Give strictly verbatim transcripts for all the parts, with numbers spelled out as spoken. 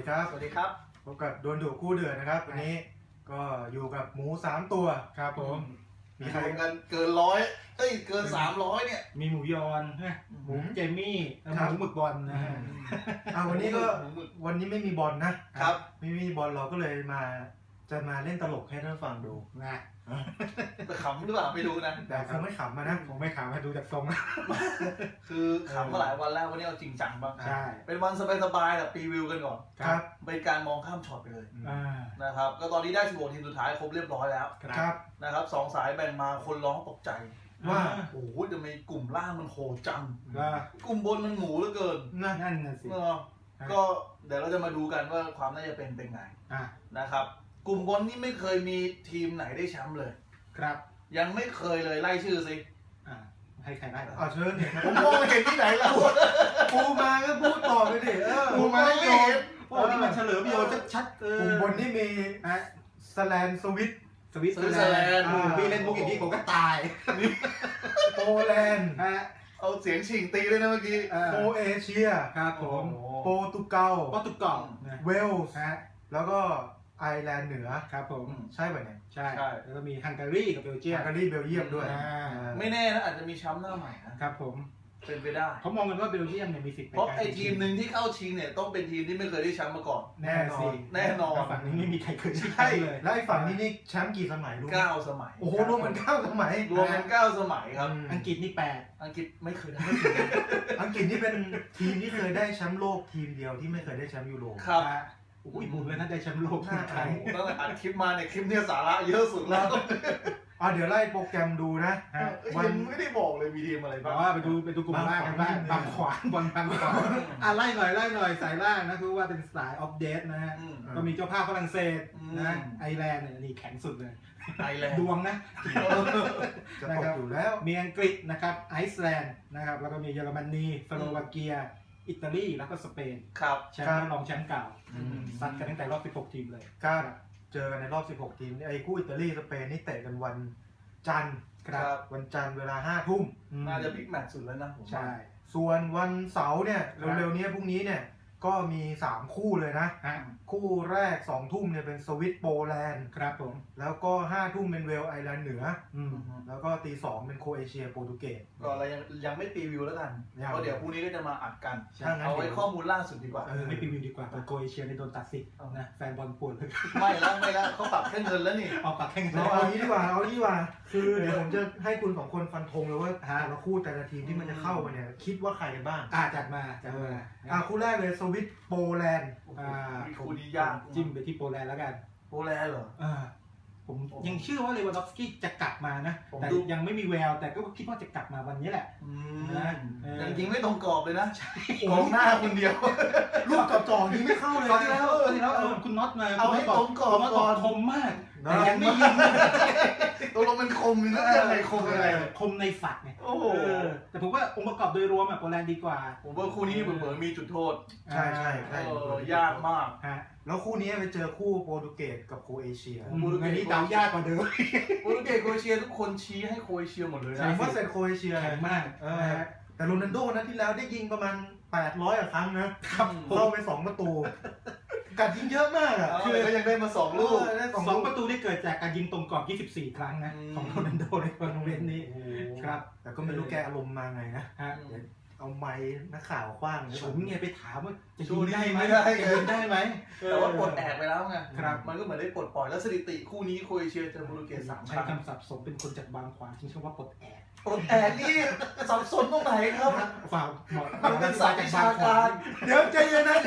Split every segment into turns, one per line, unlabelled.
ครับ
สวัสดีครับ
พบกับดวลดุคู่เดือดนะครับวันนี้ก็อยู่กับหมูสามตัวครับผม
มีใครกันเกินร้อยเอ้ยเกินสามร้อยเนี่ย
มีหมูยอนหมูเจมี่หมูหมึกบอลนะฮะ
อ่าวันนี้ก็วันนี้ไม่มีบอลนะครับไม่มีบอลเราก็เลยมาจะมาเล่นตลกให้ท่านฟังดู
นะ
แต่ขำหรือเปล่าไม่รู้นะ
แต่คงไม่ขำมานะ
คงไม่ขำมาดูจากทรง
คือขำมาหลายวันแล้ววันนี้เอาจริงจังบ้าง
ใช่
เป็นวันสบายๆแบบรีวิวกันก่อน
ครับ
เป็นการมองข้ามช็อตไปเลยนะครับก็ตอนนี้ได้สิบหกทีมสุดท้ายครบเรียบร้อยแล้ว
ครับ
นะครับสองสายแบ่งมาคนร้องตกใจ
ว่า
โอ้โหจะมีกลุ่มล่างมันโหดจัง
ว่
กลุ่มบนมันหมูเหลือเกิน
นั่นน่ะสิ
ก็เดี๋ยวเราจะมาดูกันว่าความน่าจะเป็นเป็นไงนะครับกลุ่มบนนี่ไม่เคยมีทีมไหนได้แชมป์เลย
ครับ
ยังไม่เคยเลยไล่ชื่อสิ
ให้ใครได้
อ่าเชิญเนี่ย
ผมมองเห็นที่ไหนแล้ว
ปูมาก็พูดต่อไปดิเออ
ปูมาไม่เห็น
โอ้นี่มันเฉลิมโยนชัดๆ
กลุ่มบนนี่มีสแลนสวิต
สวิตเซอร์แลนด์มีเล่นบุกอย่างนี้ผมก็ตาย
โปแลนด์
เอาเสียงฉิงตีเลยนะเมื่อกี้
โปเอเชีย
ครับผม
โปรตุเกส
โปรตุเกส
เวลส์แล้วก็ไอร์แลนด์เหนือ
ครับผม
ใช่ป่ะเนี่ย
ใช่แล้วก็มีฮังการีกับเบลเยียม
ฮังการีเบลเยียมด้วย
ไม่แน่นะอาจจะมีแชมป์หน้าใหม่นะครับ
ผม
เป็นไปได้
เขามองกันว่าเบลเยียมเนี่ยมีสิทธิ์
เพราะไอ้ทีมหนึ่งที่เข้าชิงเนี่ยต้องเป็นทีมที่ไม่เคยได้แชมป์มาก่อน
แน่นอน
แน่นอน
ฝั่งนี้ไม่มีใครเคย
ใช่เลยแล้วไอ้ฝั่งนี้นี่แชมป์กี่สมัยรู้
เก้าสมัย
โอ้โหรวมกันเก้าสมัย
รวมกันเก้าสมัยครับ
อังกฤษนี่แปด
อังกฤษไม่เคยได้
อังกฤษนี่เป็นทีมที่เคยได้แชมป์โลกทีมเดียวที่ไม่เคยได้แชมป์ยูโร
ครับ
อุ้ยบุญเลยนะได้แชมป์โลก
หน้าไทย
ตั้งแต่อัดคลิปมาเนี่ยคลิปเนี่ยสาระเยอะสุดแล้ว
อ่ะเดี๋ยวไล่โปรแกรมดูนะ
วันไม่ได้บอกเลยมีทีมอะไรบ้าง
ว่าไปดูไปดูกลุ่มล่างกันบ้างบางขวานบอลบางขวานอ่ะไล่หน่อยไล่หน่อยสายล่างนะคือว่าเป็นสายออฟเดตนะฮะก็มีเจ้าภาพฝรั่งเศสนะไอร์แลนด์เนี่ยนี่แข็งสุดเลย
ไอร์แลนด์
ดวงนะ
จะตกอยู่แล้ว
มีอังกฤษนะครับไอซ์แลนด์นะครับแล้วก็มีเยอรมนีสโลวาเกียอิตาลีแล้วก็สเปน
ครับ
แชมป์รองแชมป์เก่าซัดกันตั้งแต่รอบสิบหกทีมเลย
ครับเจอกันในรอบสิบหกทีมไอ้คู่อิตาลีสเปนนี่เตะกันวันจันทร์
ครับ
วันจันทร์เวลาห้าทุ่ม
น่าจะบิ๊กแมตช์สุดแล้วนะ
ใช่
ส่วนวันเสาร์เนี่ยเร็วๆนี้พรุ่งนี้เนี่ยก็มีสามคู่เลยนะคู่แรกสองทุ่มเนี่ยเป็นสวิตโปแลนด์
ครับผม
แล้วก็ห้าทุ่มเป็นเวลไอร์แลนด์เหนือแล้วก็ตีสองเป็นโครเอเชียโปรตุเกส
ก็เรายังยังไม่รีวิวแล้วกันเพราะเดี๋ยวพรุ่งนี้ก็จะมาอัดกันเอาไว้ข้อมูลล่าสุดดีกว่า
ไม่รีวิวดีกว่าโครเอเชียในโดนตัดสิทธิ์นะแฟนบอลปวดเลย
ไม่แล้วไม่แล้วเขาปรับแค่เงินแล้วนี่
เอาปรับแค่เงิน
เอางี้ดีกว่าเอางี้ดีกว่าคือเดี๋ยวผมจะให้คุณสองคนฟันธงเลยว่าแต่ละคู่แต่ละทีมที่มันจะเข้ามาเนี่ยคิดว่าใครกันบ้าง
อ่าจัดมาจัดมา
อ่าคู่แรกเลยสวิตโปแลนด์
อ่าคู่นี้ยาก
จิ้มไปที่โปแลนด์แล้วกัน
โปแลนด์เหรอ
อ่าผมยังเชื่อว่าเลวานดอฟสกี้จะกลับมานะแต่ยังไม่มีแววแต่ก็คิดว่าจะกลับมาวันนี้แหละ
นะจริงไม่ตรงกรอบเลยนะกองหน้าคนเดียว
ลูกกับจ่อยิงไม่เข้าเลย
ตอนที่แล้วตอนที่แล้วคุณน็อตมา
เอาให้ตรงกรอบ
ก่อนคมมากแต่ยังไม่ยิง
ตกลงมันคมหรืออะไรคมอะไร
คมในฝักไง
โอ้โห
แต่ผมว่าองค์ประกอบโดยรวมอะโปแลนด์ดีกว่า
ผมว่าคู่นี้เหมือนมีจุดโทษ
ใช่ใช่ใช่
ยากมาก
ฮะแล้วคู่นี้ไปเจอคู่โปรตุเกสกับโครเอเชีย
อันนี้เดายากกว่าเดิม
โปรตุเกสโครเอเชียทุกคนชี้ให้โครเอเชียหมดเลยนะ
ผมว่าเซนโครเอเชีย
แข็งมาก
แต่โรนัลโดนั้นที่แล้วได้ยิงประมาณแปดร้อยครั้งนะเข้าไปสองประตูกัดยิงเยอะมากอ่ะ
คือก็ยังได้มาสองลูก
สองประตูได้เกิดจากการยิงตรงกรอบยี่สิบสี่ครั้งนะของโรนัลโดในโรงเรียนนี้
ครับแต่ก็ไม่รู้แกอารมณ์มาไงนะเอาไม้นักข่าวคว้าง
ผมไงไปถามว่าจะยิงได้ไหม
จะ
ยิงได้ไหม
แต่ว่าปลดแอกไปแล้วไงมันก็เหมือนได้ปลดปล่อยแล้วสถิติคู่นี้โครเอเชียเจอโปรตุเกสสามครั้ง
ใช้คำศัพท์สมเป็นคนจากบางขวางที่ชื่อว่าปลดแอก
ปลดแอกนี่สับสนตรงไหนครับ
ฝ่าหมด
มันเป็นสายวิชาการ
เดี๋ยวใจเย็นนะ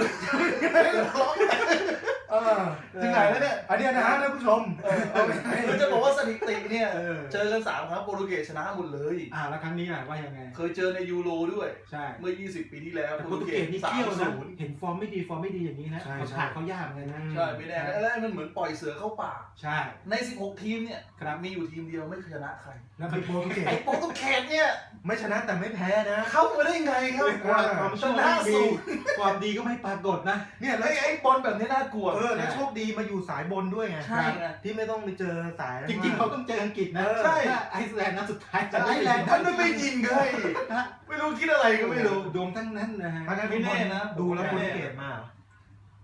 ถึงไหนแล้วเนี่ย
อันนี้นะฮะท่านผู้ชม
คือจะบอกว่าสถิติเนี่ยเจอกันสามครั้งโปรตุเกสชนะหมดเลย
อ่าแล้วครั้งนี้ล่ะว่ายังไง
เคยเจอในยูโรด้วย
ใช่
เมื่อยี่สิบปีที่แล้ว
โปรตุเกสนี่เที่ยวนะเห็นฟอร์มไม่ดีฟอร์มไม่ดีอย่างนี้นะเขาผ่านเขายากเลยนะ
ใช่ไม่แน่แล้วมันเหมือนปล่อยเสือเข้าป่า
ใช่
ในสิบหกทีมเนี่ยมีอยู่ทีมเดียวไม่ชนะใคร
แล้วไอ้โปรตุเกส
ไอ้โปรตุเกสเนี่ย
ไม่ชนะแต่ไม่แพ้นะ
เข้ามาได้ไงครับ
ความชนะสูงความดีก็ไม่ปรากฏนะ
เนี่ยแล้วไอ้บอลแบบนี้น่ากลัว
เออแล้วโชคดีมาอยู่สายบนด้วยไง
ใช่
ที่ไม่ต้องไปเจอสาย
จริงๆเขาต้องเจออังกฤษนะ
ใช่
ไอซ์แลนด์นัดสุดท้าย
ไอซ์แลนด์ท่านไม่ยิงเลยไม่รู้คิดอะไรก็ไม่รู้
ดวงทั้งนั้นนะฮะ
ไม่แน่นะ
ดูแล้วโปรตุเกสมา
ม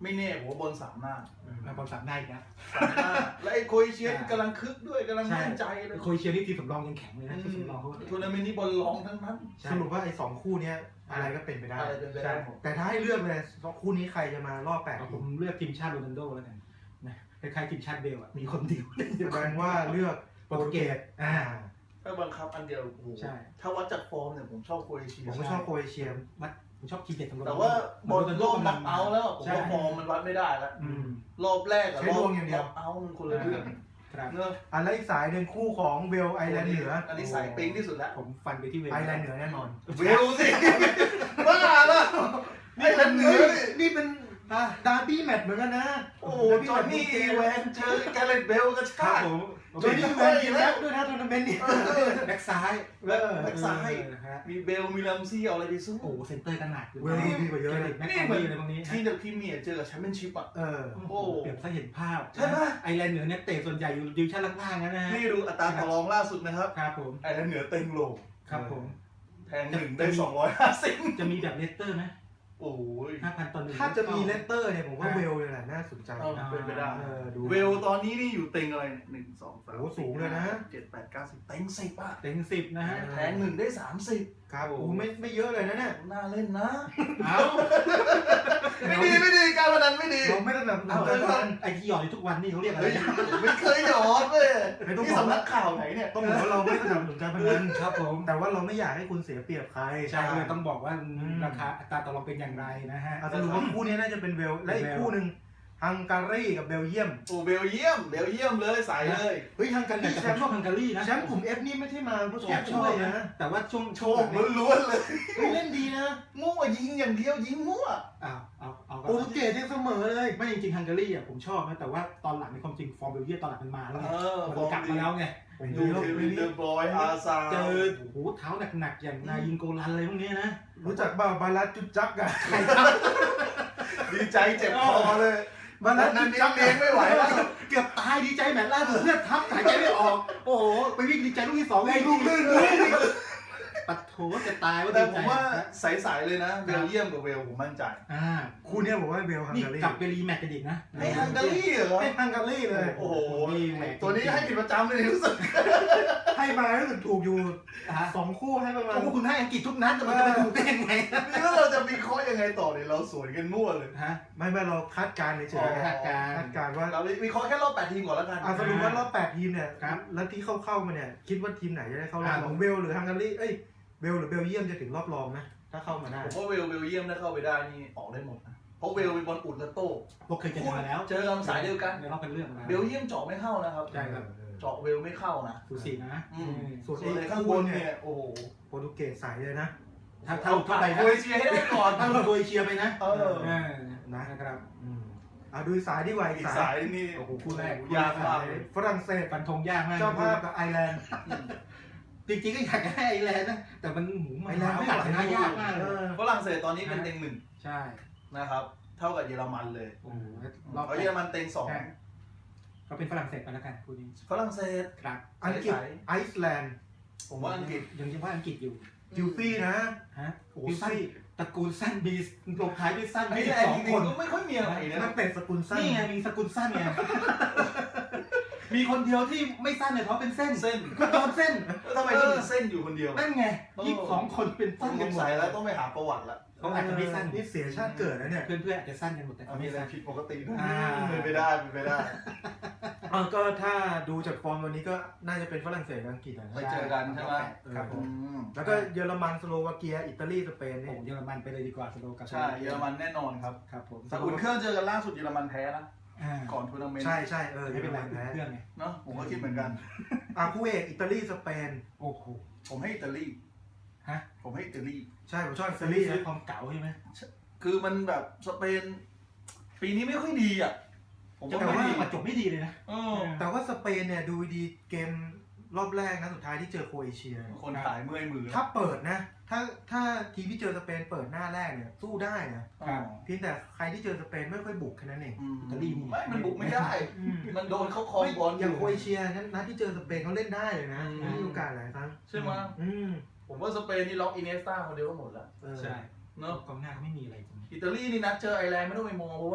ไม่แน่ผมว่าบอลสามหน้า
มาบอลสามได้อีกนะ
สามหน้าและไอ้โคเอเชียกำลังคึกด้วยกำลังมั่นใจเลย
โคเอเชียนี่ทีมสำรองยังแข็งเลยนะทีมสำรองเขา
ทัวร์นาเมนต์นี้บอลรองทั้งนั้น
สรุปว่าไอ้สองคู่เนี้ยอะไรก็เป็นไปได้
อะไรเป็นไปได้หมด
แต่ถ้าให้เลือกเลยสองคู่นี้ใครจะมารอบแปด
ผมเลือกทีมชาติโรนัลโดแล้วกันนะคล้ายๆทีมชาติเบลอ่ะมีคนเดียว
แสดงว่าเลือกโปรตุเกสอ่า
ถ้าบังคับอันเดียวโอ้โห
ใช่
ถ้าวัดจากฟอร์มเนี่ยผมชอบโครเอเชีย
ผมก็ชอบโครเอเชีย
วัดผมชอบทีมเด็ดของโรนัล
แต่
โด
ว่าบอลโลกน็อกเอาท์แล้วผม
ใช่
ว่าฟอร์มมันวัดไม่ได้แล้ว
อืม
รอบแรกกับ
ใช้
รอ
ด
บ
วงอย่างเดียว
น็อกเอาท์มันคนละเรื่อง
ครับ
เนอะ
อันแล้วอีกสายหนึ่งคู่ของเวลไอร์แลนด์เหนือ
อันนี้สายปิ๊งที่สุดแล้ว
ผมฟันไปที่เวล
ไอร์แลนด์เหนือแน่นอน
เวลสิบ้าละไอ้แลนด์เหนือนี่
นี่เป็นดาร์บี้แมตช์เหมือนกันนะ
โอ้โหจอห์นนี่อีแวนเจอแกเรตเบลกระ
ครั
ชา
บ
ก
ผม
จอห์นนี่แวนยิงแล้วด้วยนะทัวร์นาเมนต์นี้
แบ็กซ้าย
แบ็คแบ็คซ้าย
เออฮะ
มีเบลมีลัมซี่เอาอะไรไปสู้
โอ้โหเซนเตอร์กันหนัก
เวลดีกว่าเยอะเลย
แม็กคอมี่อะไรพวกนี้
ที่เดอะพรีเมียร์เจอกับแชมเปี้ยนชิพอ่ะ
เออ
โอ้โหเปรียบซะเห็นภาพ
ใช่ไหม
ไอร์แลนด์เหนือเนี่ยเตะส่วนใหญ่อยู่ดิวชั่นล่างๆนะฮะ
นี่ดูอัตราต่อรองล่าสุดนะครับ
ครับผม
ไอ้แลนด์เหนือเต็งโล
ครับผม
แทงหนึ่งได้สองร้อยห้าสิบ
จะมีแบบเลสเตอร์ไหม
โอ้ย
ห้าพันต่อหนึ่ง
ถ้าจะมีเลสเตอร์เนี่ยผมว่าเวลเลยแหละน่าสนใจ
เอาเป็นไปได้
เออดู
เวลตอนนี้นี่อยู่เต็งอะไรเนี่ยหนึ่งสองสาม
โอ้สูงเลยนะ
เจ็ดแปดเก้าสิบเต็งสิบอ่ะ
เต็งสิบนะฮะ
แทงหนึ่งได้สามสิบ
ครับโอ้ไม่ไม่เยอะเลยนะเนี่ย
น่าเล่นนะ
เอา
ไม่ดีไม่ดีการพนันไม่ดี
เราไม่ได้แบบ
เอา
เอา
เอาเอาไอที่หยอดอยู่ทุกวันนี่เขาเรียกอะไร
เฮ้ยไม่เคยหยอดเลยนี่สำนักข่าวไหนเนี่ย
ต้องบอกว่าเราไม่สนับสนุนการพนัน
ครับผม
แต่ว่าเราไม่อยากให้คุณเสียเปรียบใคร
ใช่ก็เลยต้องบอกว่าราคาอัตราต่อรองเป็นอย่างไรนะฮะ
เอาสรุปว่าคู่นี้น่าจะเป็นเวลและอีกคู่หนึ่งฮังการีกับเบลเยียม
โอ้เบลเยียมเบลเยียมเลยใส่เลย
เฮ้ยฮังการี
แต่
แช
ผม
มป์
ชอบฮังการีนะ
แชมป์กลุ่ม F นี่ไม่ใช่มาเพราะ
แอบ
แช
ช
ม
อบ
ป์ช่วย
นะ
นะ
แต่ว่าช่วง
โชคล้วนๆเลย
เฮ้ยเล่นดีนะ
มั่วยิงอย่างเดียวยิงมั่ว
อ้าวเอาเอา
โปรตุเกสยังเสมอเลย
ไม่จริงๆฮังการีอ่ะผมชอบนะแต่ว่าตอนหลังในความจริงฟอร์มเบลเยียมตอนหลังมันมาแล้วไง
เออ
มันกลับมาแล้วไง
ผม
ดู
ดูแล้ว
เควิ
ไม่
น
มี
เดอร์บอยอาซา
เจอโอ้โหเท้าหนักๆอย่างนายินโกลันอะไรพวกนี้นะ
รู้จักบ่าวบาลัสจุดจักอะ
ดีใจเจ็บคอเลย
บาลัส
นั่
จุ
น
ด
นี่
จัก
เลี้ยงไม่ไหวแล้ว
เกือบตายดีใจแมตช์ล่าสุดเลือดทับหายใจไม่ออก โอ้โหไปวิ่งดีใจลูกที่สองวิ่งลูกลื่นปัดโถจะตายว่า
แต่
ดี
ผ
ใจ
มว่าใสๆเลยนะเบลเยียมกับเวลผมมั่นใจ
อ่า
คู่เนี้ยผมว่าเบลฮัง
นี่
การี
กลับไปรีแมตช์กันอีกนะ
ให้ฮังการีเหรอ
ให้ฮังการีเลย
โอ้โห
นี่แหม
ตัวนี้ให้ผิดประจำเลยรู้สึก
ให้มารู้สึกถูกอยู่
ฮะ
สองคู่ให้ประมาณ
โอ้คุณให้อังกฤษทุกนัดจะมันจะไปถูกได้ยังไง
นี่แล้วเราจะวิเคราะห์ยังไงต่อเนี่ยเราสวนกันมั่วเลย
ฮะ
ไม่ไม่เราคาดการณ์เฉ
อ๋
ย
อ
ๆ
คาดการณ์
คาดการณ์ว่า
เราวิเคราะห์แค่รอบแปดทีมก่อนแล้วกัน
อ่ะสรุปว่ารอบแปดทีมเนี่ย
ครับ
แล้วที่เข้าเข้ามาเนี่ยคิดว่าทีมไหนจะได้เข้ารอบ
อ่า
ของเบลหรือฮังการีเอ้ยเบลหรือเบลเยียมจะถึงรอบรองนะถ้าเข้ามาได้
ผมว่าเวลเบลเยียมถ้าเข้าไปได้นี่ออกได้หมดนะเพราะเวลเป็นบอลอุดและโต้
พวกเคยเจอมาแล้ว
เจอกันสายเดียวกัน
ในรอบเป็นเรื่องมา
เบลเยียมเจาะไม่เข้านะครับ
ใช่ครับ
เออ
เจาะเวลไม่เข้านะ
สูสีนะ
อืม
ส่วน
ส่วนใน
ไอ้
ข้าง
ข้าง
บบ น
น
เนี่
เนี่ย ย
โอ้โห
โปรตุเกสใสเลยนะ
ถ้าถ้าหลุดเข้าไป
โค
นะ
รเอเชียให้ได้ก่อน
ถ้าหลุดโดยเชียร์ไปนะ
เออ
เออนะครับ
อืมอ่ะดูสายดีกว่าอี
อี
ก
ก
สา
สาย ยนี่
โอ้โหคู่แรก
ยากมากเลย
ฝรั่งเศส
ฟันธงยากมาก
เจ้าภาพกับไอร์แลนด์
จริงๆก็อยากให้ไอร์แลนด์นะแต่มันหมูมัน
ไอร์แลนด์
โอ
ไม่
กาส
ไหว
ชนะยากมากเล
เอย อ
ฝรั่งเศสตอนนี้เป็นเต็งหนึ่ง
ใช่
นะครับ เท่ากับเยอรมันเลย
โอ้โหร
ร
อ
อ
บบ
เยอรมันเต็งสอง
ก็เป็นฝรั่งเศสไปแล้วกันคู่นี้
ฝรั่งเศส
ครับ
อังกฤษไอซ์แลนด์
ผมว่าอังกฤษ
ยังจะว่าอังกฤษอยู่
จิวฟี่นะ
ฮะ
โอ้
โอ้
สั้
สั้
น
นตระกูลสั้นบีสลงท้ายด้วยสั้น
ไอ้
ยี่สิ
แอบ
ส
ง
อง
จริ
ค
ง
น
ๆก็ไม่ค่อยมีอะไรนะ
นักเตะสกุลสั้น
นี่ไงมีสกุลสั้นไง มีคนเดียวที่ไม่สั้นเลยเพราะเป็นเส้น
เส้น
ก็โดนเส้น
แล้วทำไมต้องมีเส้นอยู่คนเดียว
นั่นไงยี่สิบสองคนเป็น
ต้อ
สั้
ง
น
ส
กัน
ง
หมด
สัยแล้วต้องไปหาประวัติละ
เขาอาจจะไม่สั้น
นี่เสียชาติเกิดนะเนี่ย
เพื่อนๆอาจจะสั้นกันหมดแต่เขา
มี
ไม่
อะไร
สั้น
ผิดปกติด้วย
อ่า
เป็นไปได้เป็นไปได้
อ่ะก็ถ้าดูจากฟอร์มวันนี้ก็น่าจะเป็นฝรั่งเศสกับอังกฤษนะ
ไปเจอกันใช่ไหม
ครับผม
อืม
แล้วก็เยอรมันสโลวาเกียอิตาลีสเปน
โอ้
นี่
เยอรมันไปเลยดีกว่าสโลกับ
ใช่เยอรมันแน่นอนครับ
ครับผม
แต่อุ่นเครื่องเจอกันล่าสุดเยอรมันแพ้นะ
อ่า
ก่อนทัวร์นาเมนต์
ใช่ใช่เออ
ไม่
เยอ
เป็
ร
นไร
มันแพ้
เครื่องไง
เนาะผมก็คิดเหมือนกัน
อ่ะคู่เอกอิตาลีสเปน
โอ้โห
ผมให้อิตาลี
ฮะ
ผมให้อิตาลี
ใช่ผมชอบอิ
ซี
ตา
รี
ลี
ส์ซื้อ
นะ
ความเก่าใช่ไหม
คือมันแบบสเปน ปีนี้ไม่ค่อยดีอ่ะ ผม
จะ
ว่า
บอก
ไม่
ว่า
ดี
มาจบไม่ดีเลยนะ
เออ
แต่ว่าสเปนเนี่ยดูดีเกมรอบแรกนะสุดท้ายที่เจอโครเอเชีย
คนขายเมื่อยมือ
ถ้าเปิดนะ ถ้าถ้าทีมที่เจอสเปนเปิดหน้าแรกเนี่ยสู้ได้นะ
อ๋อ
เพียงแต่ใครที่เจอสเปนไม่ค่อยบุกแค่นั้นเอง
อืม
อิตาลีนี่
ไม่มันบุกไม่ได้
อืม
มันโดนเขาครองบอลอ
อย่าง
ยู่
โครเอเชียนั้นนัดที่เจอสเปนเขาเล่นได้เลยนะ
อืม
มีโอกาสหลายครั้ง
ใช่ไหม
อืม
ผมว่าสเปนนี่ล็อกอินเนสตาคนเดียวก็หมดแล้ว
เออ
ใช่
เนาะ
กองหน้าเขาไม่มีอะไรจริง
อิตาลีนี่นัดเจอไอร์แลนด์ไม่ต้องไปมองเพราะว่า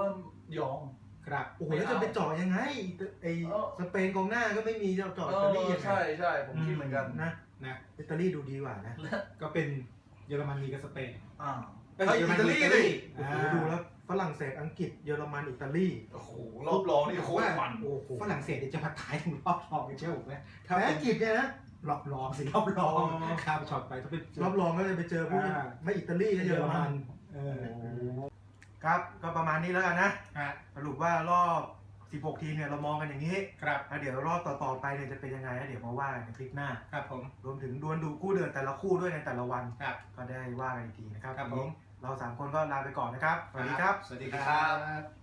ยอง
ครับ
โอ้โหแล้วจะไปเจาะยังไงไอ
เออ
สเปนกองหน้าก็ไม่มีจะเจาะ
เอ
อิตาลี
อ
ยังไง
ใช่ใช่ผมคิดเหมือนกัน
นะ
นะ
อิตาลีดูดีกว่านะ
ก็เป็นเยอรมนีกับสเปน
อ่า
เอ้ย
เฮ้ย
เยอรม
อิตาลี
นี
ดิ
โอ้โหดูแล้วฝรั่งเศสอังกฤษเยอรมันอิตาลี
โอ้โหรอบรองนี่โคตรมัน
โอ้โห
ฝรั่งเศสเนี่ยจะมาท้ายถึงรอบรองกันเชื่อผมไหมถ้า
แพ้
เป็น
อังกฤษเนี่ยนะ
รอบรองสิรอบรอง
อ๋อ
ข้ามช็อตไปถ้าเป็น
รอบรองก็จะไปเจอพวก
อ่า
ไม่อิตาลีก็เยอรมัน
เออ
ครับก็ประมาณนี้แล้วกันนะ
อ่ะ
สรุปว่ารอบ สิบหก ทีมเนี่ยเรามองกันอย่างนี้
ครับ
แล้วเดี๋ยวรอบต่อๆไปเนี่ยจะเป็นยังไงแล้วเดี๋ยวมาว่ากันในคลิปหน้า
ครับผม
รวมถึงดวลดูคู่เดือนแต่ละคู่ด้วยในแต่ละวัน
ครับ
ก็ได้ว่ากันอีกทีนะครับ
ครับ
วันนี้
ผม
เราสามคนก็ลาไปก่อนนะครับ สวัสดีครับ
สวัสดีครับ